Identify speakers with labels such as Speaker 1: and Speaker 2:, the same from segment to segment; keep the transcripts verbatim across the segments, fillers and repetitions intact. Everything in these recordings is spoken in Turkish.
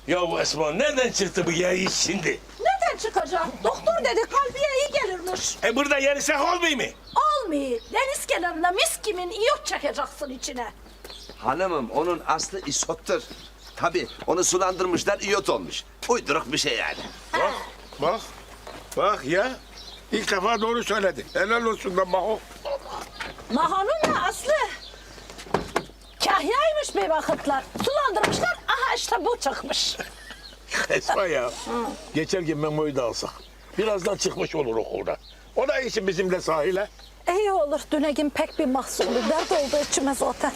Speaker 1: Ya bu Esma nereden çıktı bu yayı şimdi?
Speaker 2: Nereden çıkacak? Doktor dedi kalbiye iyi gelirmiş.
Speaker 1: E burada yenisek olmuyor mu?
Speaker 2: Olmuyor. Deniz kenarında mis kimin iyot çekeceksin içine.
Speaker 3: Hanımım onun aslı isottur. Tabii onu sulandırmışlar iyot olmuş. Uyduruk bir şey yani.
Speaker 1: Bak, bak, bak ya. İlk defa doğru söyledi. Helal olsun da Maho.
Speaker 2: Mahanın da aslı kahyaymış bir vakitler. Sulandırmışlar, aha işte bu çıkmış.
Speaker 1: Esma ya. Geçerken Memo'yu da alsak. Birazdan çıkmış olur okulda. O da için bizimle sahile.
Speaker 2: İyi olur, Dünegin pek bir mahsulü. Dert oldu içime zaten.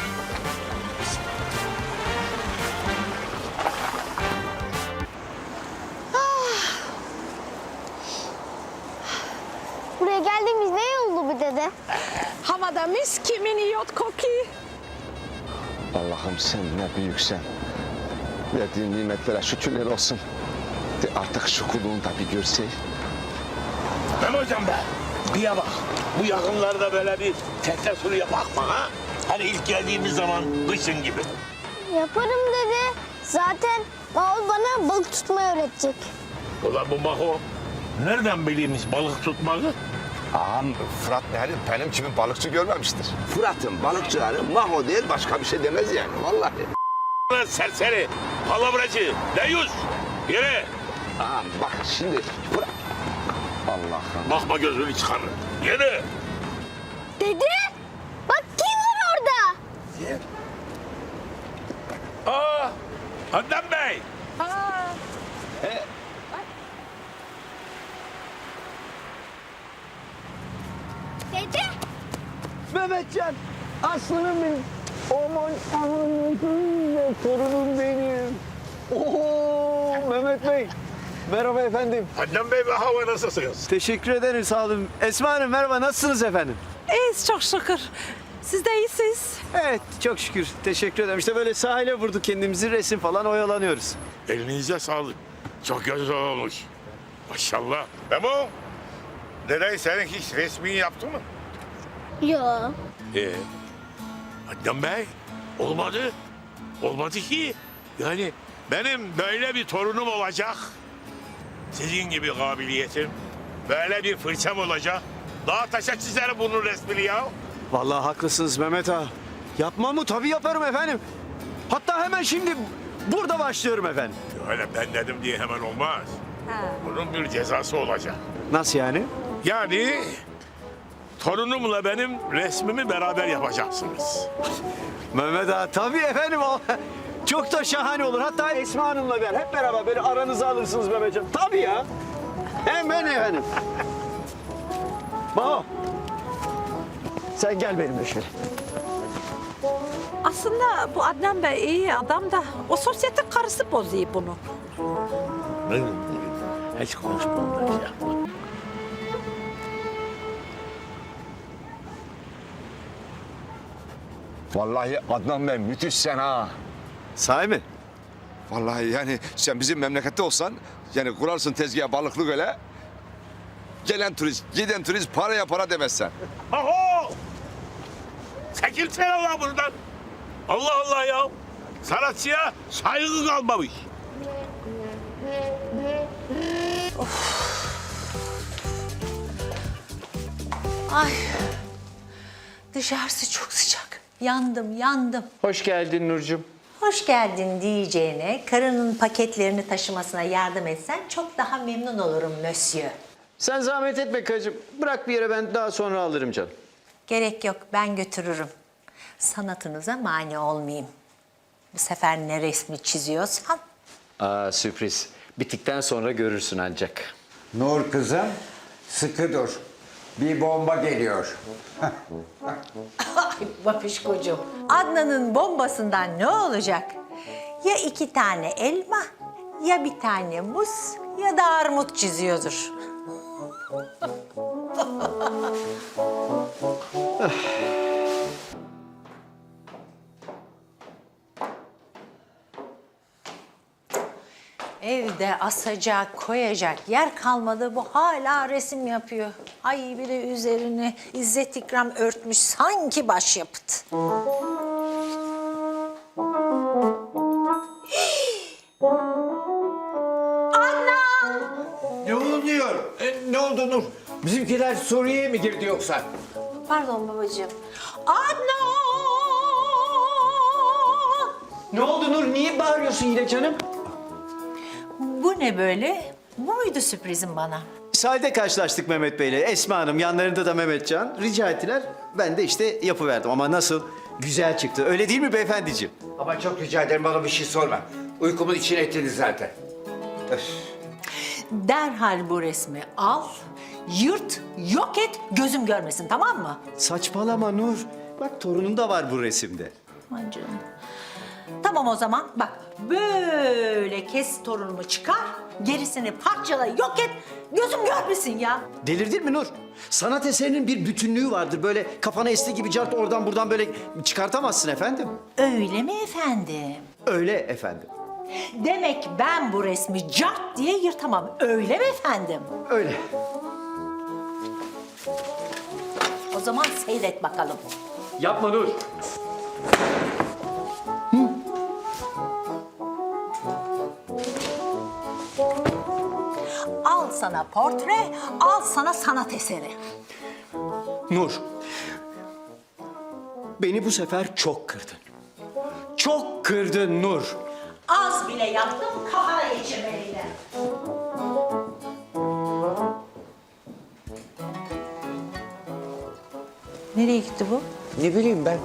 Speaker 4: Buraya geldiğimiz ne oldu bu dede?
Speaker 2: Havada mis kimin iyot kokuyor.
Speaker 3: Allah'ım sen ne büyüksen. Verdiğin nimetlere şükürler olsun. De artık şu kulluğunu da bir görsey.
Speaker 1: Ben hocam be. Bir ya bak. Bu yakınlarda böyle bir tekne suru yapak mı ha? Hani ilk geldiğimiz zaman kışın gibi.
Speaker 4: Yaparım dede. Zaten Mahmut bana balık tutmayı öğretecek.
Speaker 1: Ulan bu Maho nereden bileymiş balık tutmayı?
Speaker 5: Ağam Fırat yani benim gibi balıkçı görmemiştir.
Speaker 3: Fırat'ın balıkçıları Maho değil başka bir şey demez yani vallahi.
Speaker 1: Lan serseri, palavracı, deyus. Yere.
Speaker 3: Ağam bak şimdi Fırat. Allah'ım.
Speaker 1: Bakma gözünü çıkarır. Yere.
Speaker 4: Dede! Bak kim var orada?
Speaker 1: Aa, Adnan Bey.
Speaker 4: Dede!
Speaker 6: Mehmetcan, aslanım benim. Aman anam, torunum benim. Oo, Mehmet Bey. Merhaba efendim.
Speaker 1: Adnan Bey ve hava nasılsınız?
Speaker 6: Teşekkür ederim, sağ olun. Esma Hanım merhaba, nasılsınız efendim?
Speaker 2: İyiyiz çok şükür. Siz de iyisiniz.
Speaker 6: Evet, çok şükür. Teşekkür ederim. İşte böyle sahile vurduk kendimizi, resim falan oyalanıyoruz.
Speaker 1: Elinize sağlık. Çok güzel olmuş. Maşallah. Memo, dede senin hiç resmini yaptı mı?
Speaker 4: Yo.
Speaker 1: Ee, Adnan Bey, olmadı. Olmadı ki. Yani benim böyle bir torunum olacak. Sizin gibi kabiliyetim. Böyle bir fırçam olacak. Daha taşa çizerim bunun resmini ya.
Speaker 6: Vallahi haklısınız Mehmet ağa. Yapmam mı? Tabii yaparım efendim. Hatta hemen şimdi burada başlıyorum efendim.
Speaker 1: Öyle ben dedim diye hemen olmaz. Bunun bir cezası olacak.
Speaker 6: Nasıl yani?
Speaker 1: Yani torunumla benim resmimi beraber yapacaksınız.
Speaker 6: Mehmet ağa tabii efendim o. Çok da şahane olur. Hatta Esma Hanım'la ben hep beraber böyle aranızı alırsınız Mehmetcan. Tabii ya. Hemen efendim. Maho. Sen gel benimle şöyle.
Speaker 2: Aslında bu Adnan Bey iyi adam da o sosyetik karısı bozuyor bunu.
Speaker 1: Hiç konuşmam ben ya.
Speaker 5: Vallahi Adnan Bey müthişsen ha.
Speaker 6: Sahi mi?
Speaker 5: Vallahi yani sen bizim memlekette olsan yani kurarsın tezgaha balıklık öyle. Gelen turist, giden turist paraya para demezsen.
Speaker 1: Aho! Çekilsene Allah buradan. Allah Allah ya. Sanatçıya saygı kalmamış.
Speaker 7: Ay, dışarısı çok sıcak. Yandım, yandım.
Speaker 8: Hoş geldin Nurcuğum.
Speaker 7: Hoş geldin diyeceğine, karının paketlerini taşımasına yardım etsen çok daha memnun olurum Monsieur.
Speaker 8: Sen zahmet etme kacım. Bırak bir yere, ben daha sonra alırım canım.
Speaker 7: Gerek yok, ben götürürüm. Sanatınıza mani olmayayım. Bu sefer ne resmi çiziyorsan.
Speaker 8: Aa, sürpriz. Bittikten sonra görürsün ancak.
Speaker 9: Nur kızım, sıkı dur. Bir bomba geliyor.
Speaker 7: Ay babişkocuğum, Adnan'ın bombasından ne olacak? Ya iki tane elma, ya bir tane muz, ya da armut çiziyordur. Evde asacak, koyacak yer kalmadı. Bu hala resim yapıyor. Ay bir de üzerine İzzet İkram örtmüş sanki başyapıt.
Speaker 9: oldu Nur? Bizimkiler Suriye'ye mi girdi yoksa?
Speaker 7: Pardon babacığım. Adnan!
Speaker 6: Ne oldu Nur? Niye bağırıyorsun yine canım?
Speaker 7: Bu ne böyle? Bu muydu sürprizin bana?
Speaker 6: Sahilde karşılaştık Mehmet Bey'le. Esma Hanım, yanlarında da Mehmetcan. Rica ettiler. Ben de işte yapıverdim. Ama nasıl? Güzel çıktı. Öyle değil mi beyefendiciğim?
Speaker 9: Ama çok rica ederim bana bir şey sorma. Uykumun içine ettiniz zaten. Öf.
Speaker 7: Derhal bu resmi al, yırt, yok et, gözüm görmesin, tamam mı?
Speaker 6: Saçmalama Nur. Bak torunun da var bu resimde.
Speaker 7: Aman canım. Tamam o zaman bak böyle kes torunumu çıkar, gerisini parçala, yok et, gözüm görmesin ya.
Speaker 6: Delirdin mi Nur? Sanat eserinin bir bütünlüğü vardır. Böyle kafana esti gibi cart oradan buradan böyle çıkartamazsın efendim.
Speaker 7: Öyle mi efendim?
Speaker 6: Öyle efendim.
Speaker 7: Demek ben bu resmi cart diye yırtamam, öyle mi efendim?
Speaker 6: Öyle.
Speaker 7: O zaman seyret bakalım.
Speaker 6: Yapma Nur.
Speaker 7: Al sana portre, al sana sanat eseri.
Speaker 6: Nur. Beni bu sefer çok kırdın. Çok kırdın Nur.
Speaker 7: Az bile yaptım, kafana geçirmeliydi. Nereye gitti bu?
Speaker 9: Ne bileyim ben.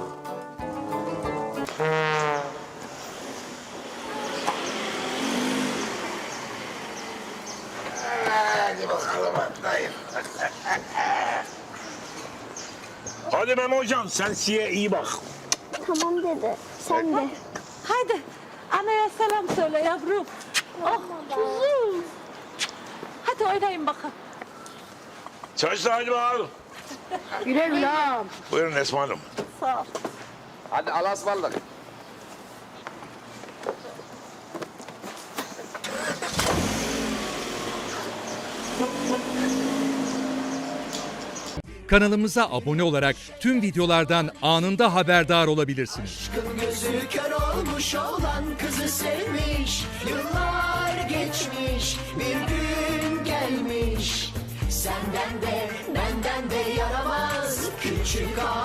Speaker 1: Hadi Memo hocam sen siye iyi bak.
Speaker 4: Tamam dede. Sen de.
Speaker 2: Haydi anaya selam söyle yavrum. Oh kuzum. Hadi oynayın bakalım.
Speaker 1: Çocuklar hadi bakalım.
Speaker 2: Güle güle ağam.
Speaker 1: Buyurun Esma Hanım.
Speaker 2: Sağ ol.
Speaker 5: Hadi Allah'a ısmarladık.
Speaker 10: Kanalımıza abone olarak tüm videolardan anında haberdar olabilirsiniz.
Speaker 11: Gözü kör olmuş olan kızı sevmiş. Yıllar geçmiş, bir gün gelmiş. Senden de benden de yaramaz küçük ağa.